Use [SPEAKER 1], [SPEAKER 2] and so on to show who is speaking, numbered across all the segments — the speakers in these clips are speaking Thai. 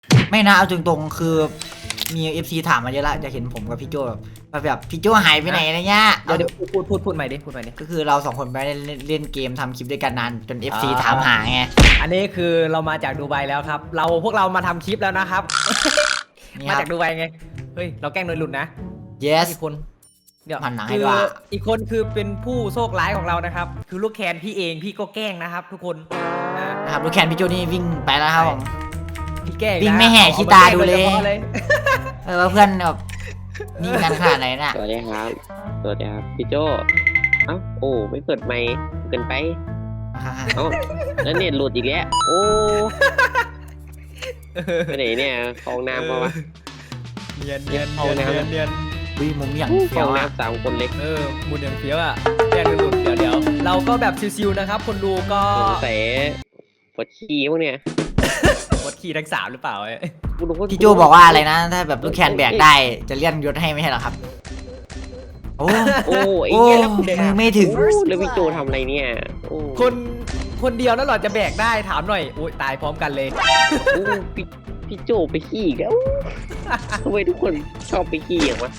[SPEAKER 1] ไม่นะเอาตรงๆคือมี FC ถามมาเยอะละจะเห็นผมกับพี่โจแบบพี่โจหายไปไหนอะไรเงี้ย
[SPEAKER 2] เดี๋ยวพูดใหม่ดิพูดใหม่ดิ
[SPEAKER 1] ก็คือเราสองคนไปเล่นเกมทำคลิปด้วยกันนานจน FC ถามหาไง
[SPEAKER 2] อันนี้คือเรามาจากดูไบแล้วครับพวกเรามาทำคลิปแล้วนะครับมาจากดูไบไงเฮ้ยเราแกล้งโดยหลุดนะ
[SPEAKER 1] yes
[SPEAKER 2] อีกคนเดี๋ยว
[SPEAKER 1] หันหลังให้
[SPEAKER 2] คือ
[SPEAKER 1] ด้วย
[SPEAKER 2] อีกคนคือเป็นผู้โชคร้ายของเรานะครับคือลูกแคนพี่เองพี่ก็แกล้งนะครับทุกคน
[SPEAKER 1] นะครับลูกแคนพี่โจนี่วิ่งไปแล้วครับผม
[SPEAKER 2] พี่แกล้ง
[SPEAKER 1] วิ่ง
[SPEAKER 2] นะ
[SPEAKER 1] ไม่แห่ขี้ตาดูเลย
[SPEAKER 2] อามาแกงโฉพาะ
[SPEAKER 1] ว่าเพื่อนแบบนิ่งกันขนาดไหนน่ะ
[SPEAKER 3] สวัสดีครับสวัสดีครับพี่โจเอ้าโอ้ไม่เปิดไมค์เกินไปเอ้าแล้วเน็ตหลุดอีกแล้วโอ้ไปไหนเนี่ยคลองน้ำมาวะ
[SPEAKER 2] เนียนเนียน
[SPEAKER 1] วิ่งมุมอย่าง
[SPEAKER 3] คล
[SPEAKER 1] เฟี้ย
[SPEAKER 3] อ
[SPEAKER 1] ว
[SPEAKER 3] ง
[SPEAKER 1] อ่ะ
[SPEAKER 3] น้ำ3 คนเล็ก
[SPEAKER 2] มุนอย่างเฟี้ยวอ่ะแกล้งโดยหลุดเดี๋ยวเราก็แบบชิวๆนะครับคนดูก็
[SPEAKER 3] สงสัยปวดขี้พวกเนี่ย
[SPEAKER 2] วัดขี่ทั้งสามหรือเปล่า
[SPEAKER 3] กูรู้ว่า
[SPEAKER 1] พี่โจบอกว่าอะไรนะถ้าแบบลูกแคนแบกได้จะเลื่อนยศให้ไม่ใช่เหรอครับโอ้
[SPEAKER 3] โอ้ไอ้
[SPEAKER 1] โอ้
[SPEAKER 3] เหี้ยแล้ว
[SPEAKER 1] มือไม่ถึง
[SPEAKER 3] แล้วพี่โจทำอะไรเนี่ยโอ้
[SPEAKER 2] คนเดียวแล้วหรอจะแบกได้ถามหน่อยอุ้ยตายพร้อมกันเลย
[SPEAKER 3] โอ้พี่โจไปขี้อีกแล้วทำไมทุกคนชอบไปขี้อย่างวะ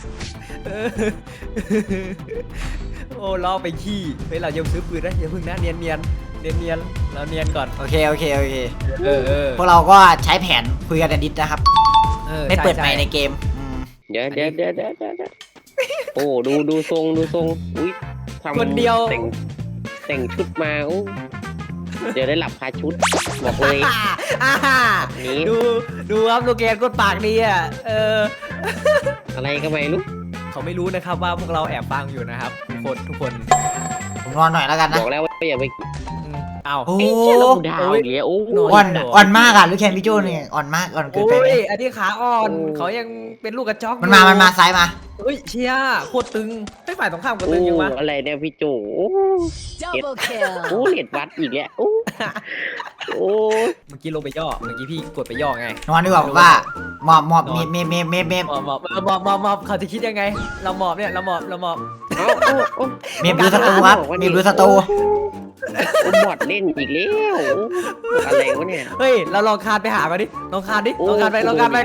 [SPEAKER 2] โอ้ล่อไปขี้เฮ้ยเรายังซื้อปืนนะอย่าพึ่งนะเนียนเราเนียนก่อน
[SPEAKER 1] โอเค
[SPEAKER 2] เ
[SPEAKER 1] พวกเราก็ใช้แผนคุยกันในดิสนะครับ ไม่เปิดไมค์ในเกม
[SPEAKER 3] เดี๋ยวโอ้ดูทรงอุ้ยทำ
[SPEAKER 2] คนเดียว
[SPEAKER 3] แต่งชุดมาโอ้เดี๋ยวได้หลับคาชุดบอกเลย นี้
[SPEAKER 2] ดูครับลูกแกนกดปากดีอ่ะ
[SPEAKER 3] อะไรก็ไม่รู้
[SPEAKER 2] เขาไม่รู้นะครับว่าพวกเราแอบฟังอยู่นะครับทุกคน
[SPEAKER 1] ผมนอนหน่อยแล้วกันนะ
[SPEAKER 3] บอกแล้วว่าอย่าไป
[SPEAKER 2] เอา
[SPEAKER 1] โอ้
[SPEAKER 3] ไอ้เหี้ยเราดาวอย่างเงี้ยโอ้
[SPEAKER 1] อ่อนมากอ่ะลูกแคนพี่โจเนี่ยอ่อนมากอ่อนเกิน
[SPEAKER 2] โอ้
[SPEAKER 1] ไปไหม
[SPEAKER 2] ยอันนี้ขาอ่อนเขายังเป็นลูกกระจอก
[SPEAKER 1] มันมาซ้ายมา
[SPEAKER 2] เฮ้ยเชียโคตรตึงไม่ฝ่ายตรงข้ามก็ตึงยังวะ
[SPEAKER 3] อะไรเนี่ยพี่โจโอ้
[SPEAKER 4] Double kill.
[SPEAKER 3] โอ้เน็ตวัดอีกแล้วโอ้
[SPEAKER 2] เมื่อกี้ลงไปย่อเมื่อกี้พี่กดไปย่อไง
[SPEAKER 1] นอนดีกว่าผมว่าหมอบเมฟ
[SPEAKER 2] หมอบเขาจะคิดยังไง เราหมอบเนี่ยเราหมอบ
[SPEAKER 1] เมฟดูสตูครับเมฟดูสตู
[SPEAKER 3] โอ้บอดเล่นอีกแล้วอะไรวะเนี่ย
[SPEAKER 2] เฮ้ยเราลองคานไปหามาดิลองคานดิลองคานไปคานไป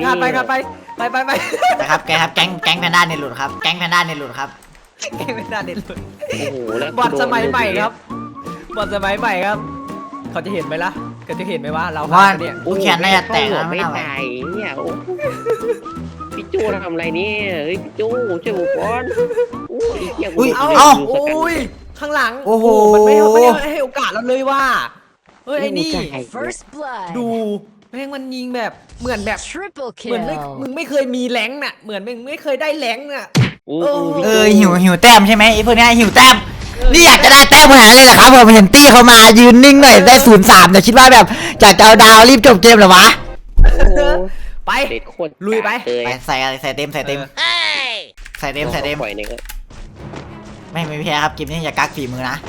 [SPEAKER 1] นะครับแกครับแก๊งแพนด้าเนี่ยหลุดครับแก๊งแพนด้าเนี่ยหลุดครับ
[SPEAKER 2] แกไม่ได้เด็ดเลย
[SPEAKER 3] โอ้โหแล้ว
[SPEAKER 2] บอลสมัยใหม่ครับบอลสมัยใหม่ครับ เขาจะเห็นไหมล่ะเขาจะเห็นไหมว่าเรา
[SPEAKER 1] ว่า
[SPEAKER 2] เนี่ย
[SPEAKER 1] ลูกแคนน่าจะแตกนะ
[SPEAKER 3] ไม่
[SPEAKER 1] ไม่น่าไหว
[SPEAKER 3] ตายเนี่ยโอ้พี่โจทำอะไรเนี่ยเฮ้ยพี่โจช่วยผมก่อนโอ้ยเหี้ยกู
[SPEAKER 2] โอ้ยข้างหลัง
[SPEAKER 1] โอ้โห
[SPEAKER 2] มันไม่ให้โอกาสเราเลยว่าเฮ้ยไอ้นี่
[SPEAKER 4] First blood.
[SPEAKER 2] ดูแม่งมันยิงแบบเหมือนแบบ
[SPEAKER 4] Triple
[SPEAKER 2] เหมือนมึ
[SPEAKER 4] kill.
[SPEAKER 2] งไม่เคยมีแรงน่ะเหมือนมึงไม่เคยได้แรงน่ะ
[SPEAKER 3] โอ้
[SPEAKER 1] หิวแต้มใช่ไหมไอ้พวกเนี้ยหิวแต้มนี่อยากจะได้แต้มขนาดนั้นเลยเหรอครับผมเห็นตี้เขามายืนนิ่งหน่อยได้0-3แต่คิดว่าแบบจากจะเอาดาวรีบจบเกมเหรอวะ
[SPEAKER 2] ไป
[SPEAKER 3] เด็ดโคตร
[SPEAKER 2] ลุยไป
[SPEAKER 3] เลย
[SPEAKER 1] ไปใส่เต็มใส่เต็ม
[SPEAKER 3] ปล่อยเนี่ยก็
[SPEAKER 1] ไม่แพ้ครับเกมนี้อย่ากักฝีมือนะ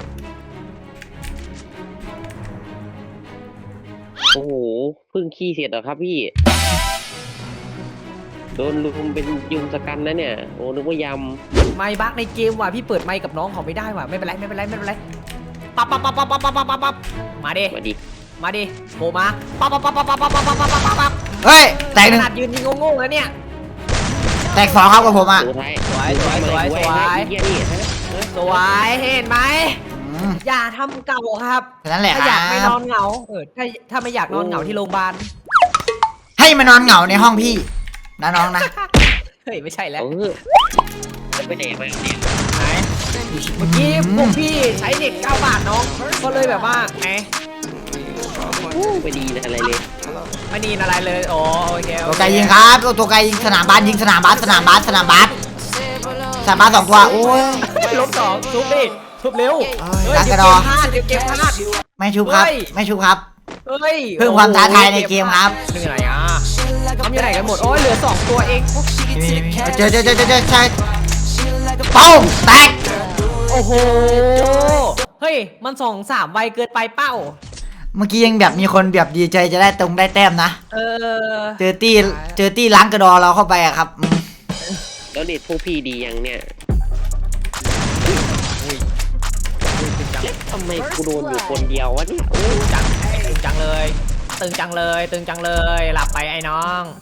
[SPEAKER 3] โอ้โหเพิ่งขี้เสร็จเหรอครับพี่โดนลุมเป็นยุงสกันนะเนี่ยโอ้นึกว่าย
[SPEAKER 2] ไม่บักในเกมว่ะพี่เปิดไมค์กับน้องเขาไม่ได้ว่ะไม่เป็นไรปั๊บมาดิ
[SPEAKER 3] ำมาดิ
[SPEAKER 2] โผล่มาปั๊บ
[SPEAKER 1] เฮ้ยแตกห
[SPEAKER 2] ข
[SPEAKER 1] นึ่ง
[SPEAKER 2] นาดยืนยิงโง่ๆแล้วเนี่ย
[SPEAKER 1] แตก2ครับกับผมอ่ะ
[SPEAKER 3] สุดท้าย
[SPEAKER 2] สวย
[SPEAKER 3] เหี้ยนี่ฮะ
[SPEAKER 2] สวยเห็นไหม
[SPEAKER 1] อืม
[SPEAKER 2] อย่าทำเก่าครับ
[SPEAKER 1] แค่นั้นแหละ
[SPEAKER 2] ถ้า
[SPEAKER 1] ค
[SPEAKER 2] อ
[SPEAKER 1] รั
[SPEAKER 2] ยากไม่น
[SPEAKER 1] บ
[SPEAKER 2] อนเหงาถ้าไม่อยากนอนเหงาที่โรงพยาบาล
[SPEAKER 1] ให้มานอนเหงาในห้องพี่นะน้องนะ
[SPEAKER 2] เฮ้ยไม่ใช่แล้ว
[SPEAKER 3] ไปไหนมาเนี่ย
[SPEAKER 2] ไหนเมื่อกี้พวกพี่ใช้เน็ต9 บาทน้องก็เลยแบบว่าไง
[SPEAKER 3] ไปดีนะอะไรเลย
[SPEAKER 2] ไม่นีนอะไรเลยโอเค
[SPEAKER 1] ตัวไกลยิงครับตัวไกลยิงสนามบาสยิงสนามบาส2 ตัวโอ้ย
[SPEAKER 2] ลบ2ทุบดิทุบเร็ว
[SPEAKER 1] ดักกระดอ
[SPEAKER 2] เกมพลาด
[SPEAKER 1] ไม่ชุบครับไม่ชุบครับ
[SPEAKER 2] เฮ้ย
[SPEAKER 1] เพิ่มความท้าทายในเกมครับ
[SPEAKER 2] เหนื่อยอ่ะทำยังไงกันหมดโอ้ยเหลือ2 ตัวเอง
[SPEAKER 1] เจอใช่ปุ้มแตก
[SPEAKER 2] โอ้โหเฮ้ยมัน2-3ไวเกินไปเป้า
[SPEAKER 1] เมื่อกี้ยังแบบมีคนแบบดีใจจะได้ได้แต้มนะ เจอตี้ล้างกระดอเราเข้าไปอะครับ
[SPEAKER 3] แล้วเด็ดพวกพี่ดียังเนี่ยทำไมกูโดนอยู่คนเดียววะเนี่ย
[SPEAKER 2] จังเลยตึงจังเลยหลับไปไอ้น้อง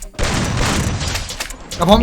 [SPEAKER 1] กับผม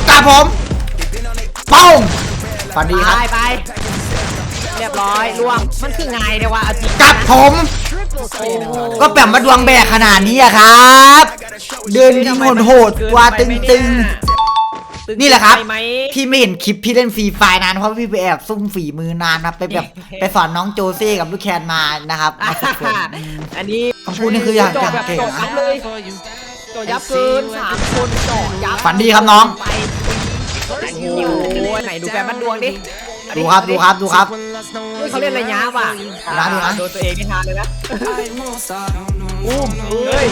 [SPEAKER 1] ป้องฝันดีครับ
[SPEAKER 2] ไปเรียบร้อยล่วงมันคือไงเดี๋ยวว่าเอาจริง
[SPEAKER 1] กับผม ก็แบบมาดวงแบกขนาดนี้อะครับ เดินยิงโหดๆว่าตึงนี่แหละครับ
[SPEAKER 2] ไหม
[SPEAKER 1] พี่ไม่เห็นคลิปพี่เล่นฟรีไฟนานเพราะพี่ไปแอบซุ่มฝีมือนานนะไปแบบไปสอนน้องโจเซ่กับลูกแคนมานะครับมาฝึกฝน
[SPEAKER 2] อันนี้
[SPEAKER 1] คำพูดนี่คืออย่าง
[SPEAKER 2] โจทย์แบบ
[SPEAKER 1] เก่ง
[SPEAKER 2] โจทย์
[SPEAKER 1] นะ
[SPEAKER 2] ยับเลยโจทย์ยับเกิน3 คนโจทย์ยับ
[SPEAKER 1] ฝันดีครับน้อง
[SPEAKER 2] ไปโอ้โหไหนดูแฟนมันดวงดิ
[SPEAKER 1] ดูครับ
[SPEAKER 2] เฮ้ยเขาเล่นอะไรยะว่ะ
[SPEAKER 1] ดูนะ
[SPEAKER 2] โดนตัวเองไม่ทานเลยนะอุ้มเฮ้ย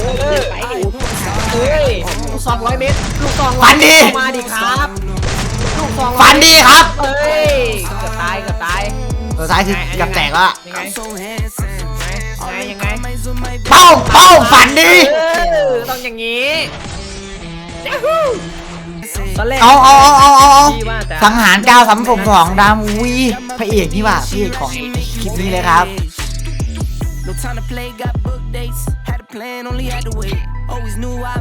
[SPEAKER 2] 200 เมตรลูกซอง
[SPEAKER 1] ฝันดี
[SPEAKER 2] มาดิครับลูกซอง
[SPEAKER 1] ฝันดีครับ
[SPEAKER 2] เฮ้ยเกือบตาย
[SPEAKER 1] ตัวซ้ายคือกับแตกแล้วอะ
[SPEAKER 2] ยังไง
[SPEAKER 1] ป้องฝันดี
[SPEAKER 2] ต้องอย่างนี้ตอนแรก
[SPEAKER 1] เอา
[SPEAKER 2] พี่ว่าจะ
[SPEAKER 1] สังหาร932ดามวีพระเอกนี่ว่ะพระเอกของคลิปนี้เลยครับ
[SPEAKER 5] No time to play, got book dates. Had a plan, only had to wait. Always knew I